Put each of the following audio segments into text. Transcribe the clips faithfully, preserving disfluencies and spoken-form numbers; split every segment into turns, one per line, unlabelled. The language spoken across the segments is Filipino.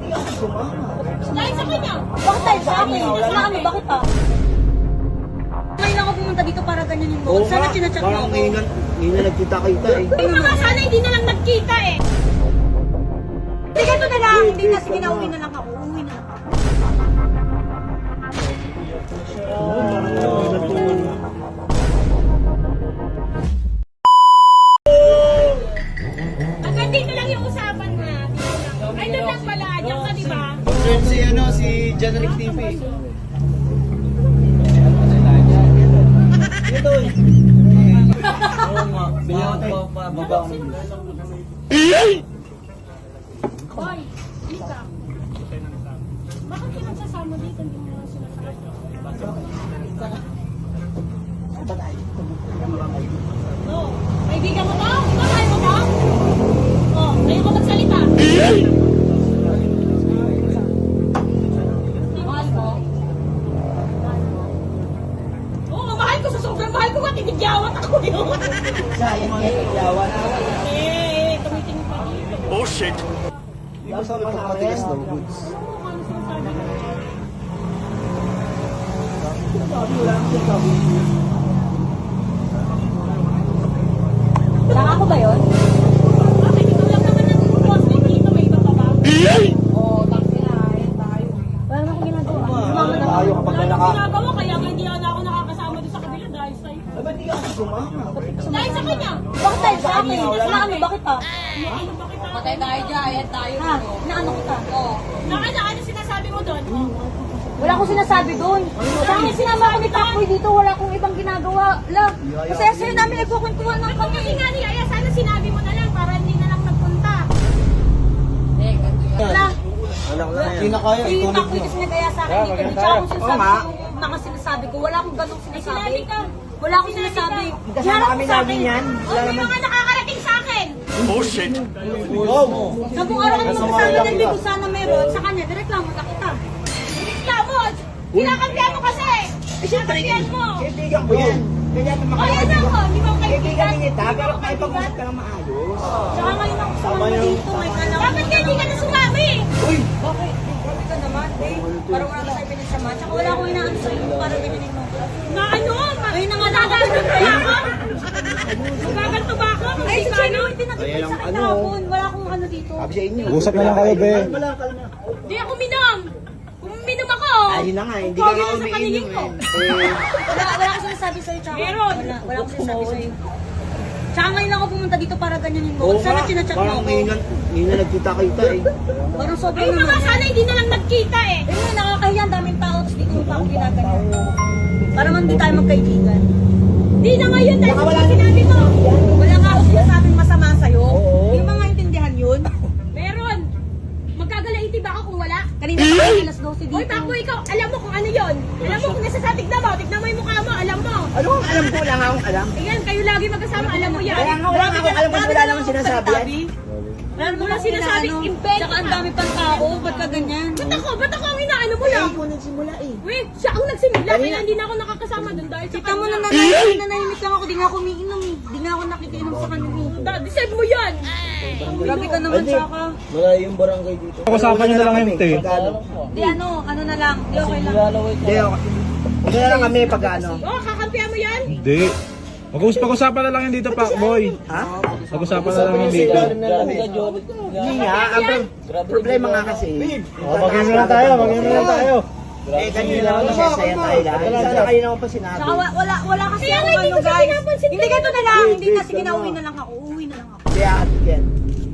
Dahil sa kanya.
Bakit tayo sa akin? Sa kami, bakit pa? Ngayon ako pumunta dito para ganyan yung bukod. Sana chinachat mo
Parang
ako.
ngayon, ngayon na nagkita-kita eh.
Ay mga sana hindi na lang nagkita eh.
Hindi ganito na lang. Hindi na. Sige na, uwi na lang ako. Uwi na lang ako.
Hanggang dito lang yung usapan na. Dito lang. Ay doon lang pala. Diyan ka di ba?
Friend si ano, si Janrick T V. Ito eh. Oo nga. Bilyan pa baba.
Hoy, Lika. Bakit ka nagsasama dito? Hindi mo lang sinasabi. Oh, kaibigan mo to? Mahal mo to? Oh, ngayon ko magsalita. Mahal mo? Oo, mahal ko sa sobrang mahal ko. Matigigyawat ako yun.
Sayang yan, yawan.
Eh, tumitingin pa dito.
Oh shit!
Di ba sabi mo nakatigas ng goods?
Oo, ano sinasabi mo?
Lang ako ba yun?
Bakit ikaw lang naman ang boss dito? May iba pa ba?
Oo, taxi na. Ayan tayo. Wala naman akong ginagawa. Sumama na
Tayo
ako.
kapag
Wala
naka...
akong ginagawa, kaya nga hindi na ako nakakasama doon sa kabila dahil sa'yo.
Ay, ba't di ka sumama?
Dahil sa kanya.
Bakit tayo sa akin? Sa kami, bakit pa?
Ano ba kita?
Patay tayo dyan. Ayan tayo. Ha? Naano kita? Oo.
Naka na, ano sinasabi mo doon?
Wala akong sinasabi doon. Sa akin sinama ako ni Takboy dito, wala akong ibang ginagawa. Lang, kasi sa'yo namin nagkukwentuhan ng
Ako
kami.
kasi nga ni Aya, sana sinabi mo na lang para hindi na lang nagpunta.
Wala.
Anak na yan. Hindi na kaya,
Si
ituloy
Takboy
mo.
kasi nagaya sa akin dito. Di siya akong
Oo
sinasabi
nga.
ko, mga sinasabi ko. Wala akong ganong sinasabi.
sinabi ka.
Wala akong sinasabi.
Kasama kami lagi niyan.
O may mga nakakarating sa akin.
Oh shit!
Oo mo.
Sa buong araw kami magkasama ng ko sana meron. Sa kanya, direklamo na kita.
Reklamo! Kinakampihan mo kasi!
Eh, siyempre,
Kinakampihan mo!
kaibigan ko yan. Kaya naman
O yan ako, hindi mo
Kaibigan
kaibigan.
din kita, pero may pag-usap ka ng maayos.
Tsaka ngayon ako sumama dito. May anak.
Dapat nga hindi ka na sumami!
Uy!
Bakit? Grabe ka naman, eh. Parang wala ka tayo pinagsama. Tsaka wala akong inaano sa'yo. Para ganyanin mo.
Na ano?
Ayun na nga
Nagaganto ba ako? Nagaganto ba ako?
Ay, sa
Ano?
Chino, hindi nakikita sa akin hapon. Wala akong ano dito.
Sabi sa inyo.
Usap na lang kayo, be.
Di ako minom! Kung minom ako,
Ayun na nga, hindi
Pogi
ka nga
na sa
umiinom
paningin ko.
eh. Eh,
Wala, wala akong sinasabi sa'yo, tsaka.
Meron.
Wala, wala akong sinasabi sa'yo. Tsaka ngayon ako pumunta dito para ganyanin mo.
oo
Sana
nga,
chinachat mo
parang
ako.
ngayon na- ngayon na nagkita-kita eh.
Parang sobrang
ay mga
naman.
sana hindi na lang nagkita eh.
Eh nga, nakakahiya. Ang daming tao. Tapos di ko pa ako ginaganyan. Para man di tayo magkaibigan.
Di na ngayon dahil
Baka wala
sa sinabi mo.
Wala nga ako sinasabing masama sa'yo. Hindi mo nga intindihan yun.
Meron. Magkagalaiti ba ako kung wala?
Kanina pa kayo alas dose dito.
Hoy, Paco, ikaw, alam mo kung ano yon. Alam mo kung nasa sa tignan mo, tignan mo yung mukha mo, alam mo.
Ano ang alam ko? Wala nga akong alam.
Ayan, kayo lagi magkasama, alam mo yan.
Kaya nga wala nga akong alam kasi wala naman sinasabi yan.
Wala
Wala
naman
sinasabing
inaano.
invent
Tsaka ang
ka.
dami pang tao. Ba't ka ganyan?
Ba't ako? Ba't ako ang inaano mo
Eh,
lang?
ikaw nagsimula eh.
Weh, siya ang nagsimula,
Kanina-
kaya hindi na ako nakakasama doon dahil sa
Kita mo na
kanya.
nanahimik, nanahimik lang ako. Di nga ako umiinom eh. Di nga ako nakikinom sa kanya eh.
Da, decide mo yan.
Grabe ka naman,
Hindi.
tsaka.
Wala yung barangay dito.
Pag-usapan nyo na lang yun, te.
Pag-ano?
Di ano, ano na lang. Di okay lang.
Hindi, okay. Ito na lang kami pag-ano.
Oh, kakampihan mo yan?
Hindi. Mag-us pag-usapan na lang yun dito, Pacboy.
Ha?
Pag-usapan na lang yun dito.
Hindi nga, ang pro- problema nga kasi.
Oh, mag-inom lang tayo, mag-inom lang tayo.
Eh, kanina naman masasaya tayo lahat. Sana kayo naman pa sinabi.
Tsaka wa- wala, wala kasi
Kaya
ako
nga, hindi
ano
ko siya
guys.
pinapansin.
Hindi ganito na lang.
Wait,
Hindi na,
wait,
sige na,
ano?
uwi na lang ako. Uwi na lang ako.
Kaya at yan.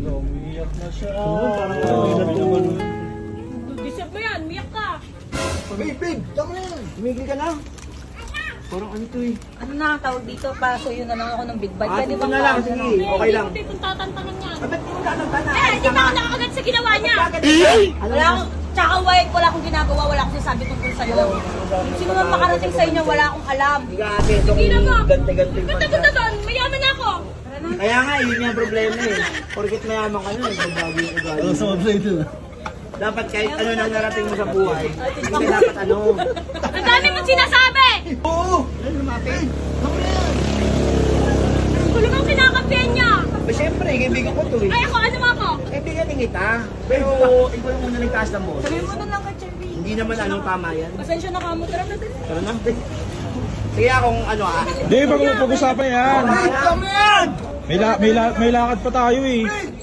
Deserve mo yan, miyak ka.
Babe, babe, tama na yan. Tumigil ka na. Parang ano to eh.
Ano na ang tawag dito? Pasuyo na lang ako ng big bite.
Ah,
Pwede
dito
bang
na lang,
pause
sige.
na?
Okay lang.
Hindi ko tatantangan yan.
Ah, ba't mo tatanta na?
Eh, hindi pa ako nakakagat sa ginawa niya.
Ano
Wala akong, tsaka white, wala akong ginagawa, wala akong sinasabi tungkol sa'yo. Sino man makarating sa inyo, wala akong alam.
Hindi ka ate, itong
Tingnan mo.
gante-gante
Ganda ganda doon, mayaman ako.
Kaya nga, yun yung problema eh. Porkit mayaman ka na, nagbabago yung ugali. Oo, sa ito. Dapat kahit ano nang narating mo sa buhay, hindi ka dapat ano.
Ang dami mong sinasabi.
Oo! Ano lumapit? Ako na yan!
Ang gulo mong kinakampi
sasabihin niya?
Eh, siyempre, kaibigan ko to eh.
Ay, ako, ano mo ako?
Kaibigan din kita. Pero, ikaw yung muna nagtaas ng boses.
Sabihin mo na lang kay Cherry.
Hindi naman ano tama yan.
Pasensya na ka mo. Tara na din.
Tara na. Sige akong ano ah.
Hindi, pag pag-usapan yan. May, la may, la may lakad pa tayo eh.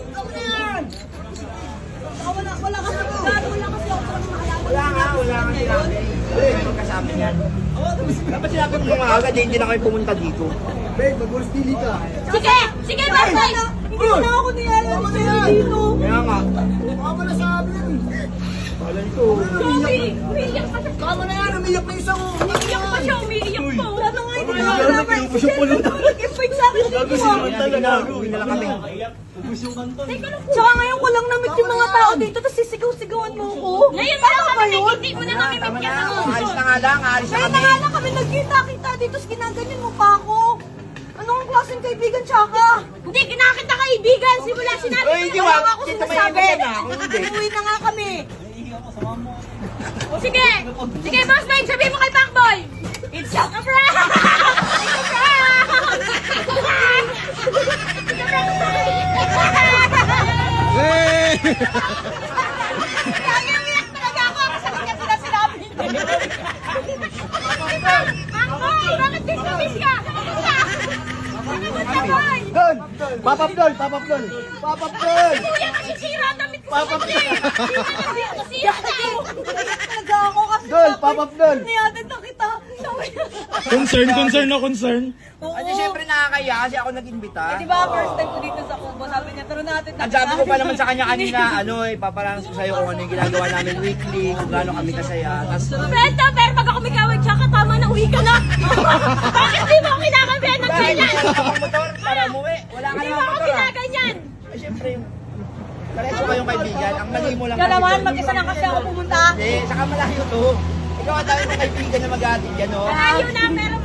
Wala, wala kasi ako. Wala kasi ako.
Wala nga, wala nga sinabi. Wala yung magkasama yan. Dapat sinabi mo mga agad, eh, hindi na kayo pumunta dito.
Sige! Sige, bye bye! Hindi na ako niyalan ni Cherry dito.
Kaya nga.
Sorry! Umiiyak pa siya. Tama na yan! Umiiyak na isa ko! Umiiyak pa siya! Umiiyak pa! Wala na nga ito! Wala na nga ito! Nag-invite sa akin dito!
Uwi na lang kami.
Tsaka ngayon ko lang na-meet yung mga tao dito tapos sisigaw-sigawan mo ko. Ngayon mo lang kami hindi mo na kami
Tama
meet
na,
yan.
oh, alis na nga lang, alis na
Kaya
kami.
na nga lang kami nagkita-kita dito tapos ginaganyan mo pa ako. Anong klaseng kaibigan tsaka? Hindi, kinakita kaibigan. Simula sinabi
Oy,
ko
hindi,
na
wag.
wala ako
Hindi,
sinasabi.
tumayo ka na, ako hindi.
Uwi na nga kami. O sige! Sige, boss Mike, sabihin mo kay Pacboy! It's a prank! It's a prank! It's a prank!
Hey!
Kaya umiyak talaga ako kasi hindi niya sila sinabi. Pacboy, bakit dismiss ka? Kamusta, boy?
Dol! Papapdol! Papapdol! Papapdol!
Kuya, nasisira ang damit ko.
Papapdol!
Nasisira ako. Talaga ako kasi
Dol! Papapdol!
niyatid na kita. Sabi niya.
Concern, concern na concern.
Oo.
Kasi syempre nakakaya kasi ako nag-imbita.
Eh, di ba, first time ko dito sa Kubo, sabi niya, taro natin.
At sabi ko pa naman sa kanya kanina, ano eh, paparanas ko sa'yo kung ano yung ginagawa namin weekly, kung gaano kami kasaya. Tapos,
Brenda, pero pag ako mikawag siya, katama na uwi ka na. Bakit di mo ako kinakabihan ng
dahil
ganyan?
wala akong motor para umuwi. Wala ka
Di mo
namang
ako
motor ah.
ginaganyan.
Eh, syempre, pareho kayong kaibigan. Ang mali mo lang
Ikaw naman,
doon
mag-isa
yung-
lang kasi ako pumunta.
Hindi, saka malayo to. Ikaw ang dami mong kaibigan na mag-aatid yan, oh.
Malayo na, pero